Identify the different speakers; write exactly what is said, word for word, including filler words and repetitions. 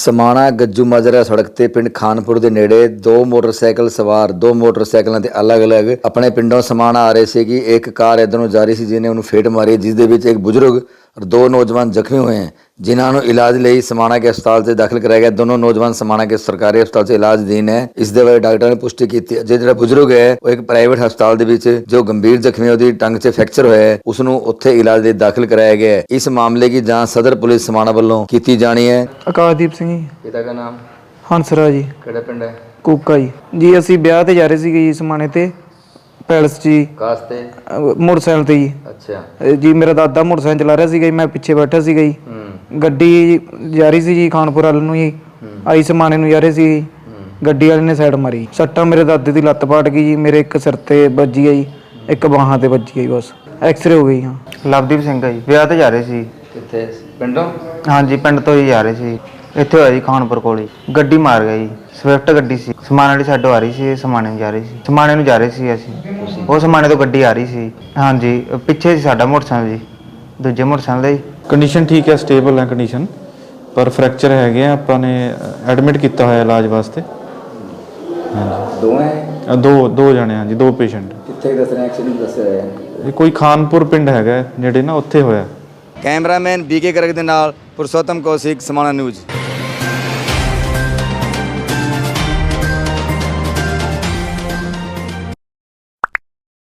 Speaker 1: समाणा गज्जू माजरा सड़क ते पिंड खानपुर ਦੇ ਨੇੜੇ ਦੋ ਮੋਟਰਸਾਈਕਲ ਸਵਾਰ ਦੋ ਮੋਟਰਸਾਈਕਲਾਂ ਤੇ ਅਲੱਗ-ਅਲੱਗ ਆਪਣੇ ਪਿੰਡੋਂ ਸਮਾਣਾ ਆ ਰਹੇ ਸੀ ਕਿ ਇੱਕ ਕਾਰ ਇਧਰ ਨੂੰ ਜਾ ਰਹੀ ਸੀ ਜਿਹਨੇ ਉਹਨੂੰ ਫੇਟ ਮਾਰੀ ਜਿਸ ਦੇ ਵਿੱਚ ਇੱਕ ਬਜ਼ੁਰਗ और दो नौजवान जख्मी हुए हैं जिन्होंने इलाज लिए समाणा के अस्पताल से दाखिल कराया गया। दोनों नौजवान समाणा के सरकारी अस्पताल से इलाज दीन है। इस दे बारे डॉक्टर ने पुष्टि की थी जो बुजुर्ग है वो एक प्राइवेट हस्पताल ਦੇ ਵਿੱਚ जो गंभीर जख्मी ਉਹਦੀ ਟੰਗ 'ਚ ਫ੍ਰੈਕਚਰ ਹੋਇਆ ਹੈ ਉਸਨੂੰ ਉੱਥੇ ਇਲਾਜ ਲਈ ਦਾਖਲ ਕਰਾਇਆ ਗਿਆ ਹੈ। ਇਸ ਮਾਮਲੇ की जांच सदर पुलिस समाणा ਵੱਲੋਂ ਕੀਤੀ ਜਾਣੀ ਹੈ।
Speaker 2: ਆਕਾਸ਼ਦੀਪ ਸਿੰਘ ਜੀ।
Speaker 1: ਪਿਤਾ ਦਾ ਨਾਮ
Speaker 2: ਹੰਸਰਾ ਜੀ।
Speaker 1: ਕਿਹੜਾ ਪਿੰਡ ਹੈ?
Speaker 2: ਕੂਕਾ ਜੀ। ਜੀ ਅਸੀਂ ਵਿਆਹ ਤੇ ਜਾ ਰਹੇ ਸੀਗੇ ਜੀ ਸਮਾਣੇ ਤੇ ਪੈਲਸ ਜੀ
Speaker 1: ਕਾਸ ਤੇ
Speaker 2: ਮੋਟਰਸਾਈਕਲ ਤੇ ਜੀ।
Speaker 1: ਅੱਛਾ
Speaker 2: ਜੀ ਮੇਰਾ ਦਾਦਾ ਮੋਟਰਸਾਈਕਲ ਚਲਾ ਰਿਹਾ ਸੀਗਾ ਜੀ, ਮੈਂ ਪਿੱਛੇ ਬੈਠਾ ਸੀਗਾ ਜੀ। ਗੱਡੀ ਜਾ ਰਹੀ ਸੀ ਜੀ ਖਾਨਪੁਰ ਵੱਲ ਨੂੰ ਜੀ, ਆਈ ਸਮਾਣੇ ਨੂੰ ਜਾ ਰਹੇ ਸੀ। ਗੱਡੀ ਵਾਲੇ ਨੇ ਸਾਈਡ ਮਾਰੀ, ਸੱਟਾਂ ਮੇਰੇ ਦਾਦੇ ਦੀ ਲੱਤ ਪਾਟ ਗਈ ਜੀ, ਮੇਰੇ ਇੱਕ ਸਿਰ ਤੇ ਵੱਜੀ ਆ ਜੀ, ਇੱਕ ਬਾਹਾਂ ਤੇ ਵੱਜੀ ਆ ਜੀ, ਬਸ ਐਕਸਰੇ ਹੋ ਗਈ। ਹਾਂ
Speaker 3: ਲਵਦੀਪ ਸਿੰਘ ਆ ਜੀ। ਵਿਆਹ ਤੇ ਜਾ ਰਹੇ ਸੀ।
Speaker 1: ਕਿੱਥੇ ਪਿੰਡੋਂ?
Speaker 3: ਹਾਂਜੀ ਪਿੰਡ ਤੋਂ ਹੀ ਜਾ ਰਹੇ ਸੀ। ਇੱਥੇ ਹੋਇਆ ਜੀ ਖਾਨਪੁਰ ਕੋਲ ਹੀ ਗੱਡੀ ਮਾਰ ਗਿਆ ਜੀ। ਸਵਿਫਟ ਗੱਡੀ ਸੀ, ਸਮਾਣੇ ਵਾਲੀ ਸਾਈਡੋਂ ਆ ਰਹੀ ਸੀ, ਸਮਾਣੇ ਨੂੰ ਜਾ ਰਹੀ ਸੀ। ਸਮਾਣੇ ਨੂੰ ਜਾ ਰਹੇ ਸੀ ਅਸੀਂ, ਉਹ ਸਮਾਣੇ ਤੋਂ ਗੱਡੀ ਆ ਰਹੀ ਸੀ। ਹਾਂਜੀ ਪਿੱਛੇ ਸੀ ਸਾਡਾ ਮੋਟਰਸਾਈਕਲ ਜੀ, ਦੂਜੇ ਮੋਟਰਸਾਈਕਲ ਦਾ ਜੀ।
Speaker 4: ਕੰਡੀਸ਼ਨ ਠੀਕ ਹੈ, ਸਟੇਬਲ ਹੈ ਕੰਡੀਸ਼ਨ, ਪਰ ਫ੍ਰੈਕਚਰ ਹੈਗੇ ਆ, ਆਪਾਂ ਨੇ ਐਡਮਿਟ ਕੀਤਾ ਹੋਇਆ ਇਲਾਜ ਵਾਸਤੇ। ਹਾਂਜੀ
Speaker 1: ਦੋ ਹੈ?
Speaker 4: ਦੋ ਦੋ ਜਣੇ ਹਾਂ ਜੀ, ਦੋ ਪੇਸ਼ੈਂਟ।
Speaker 1: ਕਿੱਥੇ ਦੱਸ ਰਹੇ ਐਕਸੀਡੈਂਟ ਦੱਸਿਆ ਹੋਇਆ?
Speaker 4: ਇਹ ਕੋਈ ਖਾਨਪੁਰ ਪਿੰਡ ਹੈਗਾ ਜਿਹੜੇ ਨਾ ਉੱਥੇ ਹੋਇਆ।
Speaker 1: ਕੈਮਰਾਮੈਨ ਬੀਕੇ ਕਰਕ ਦੇ ਨਾਲ ਪੁਰਸ਼ੋਤਮ ਕੌਸ਼ਿਕ, ਸਮਾਣਾ ਨਿਊਜ਼।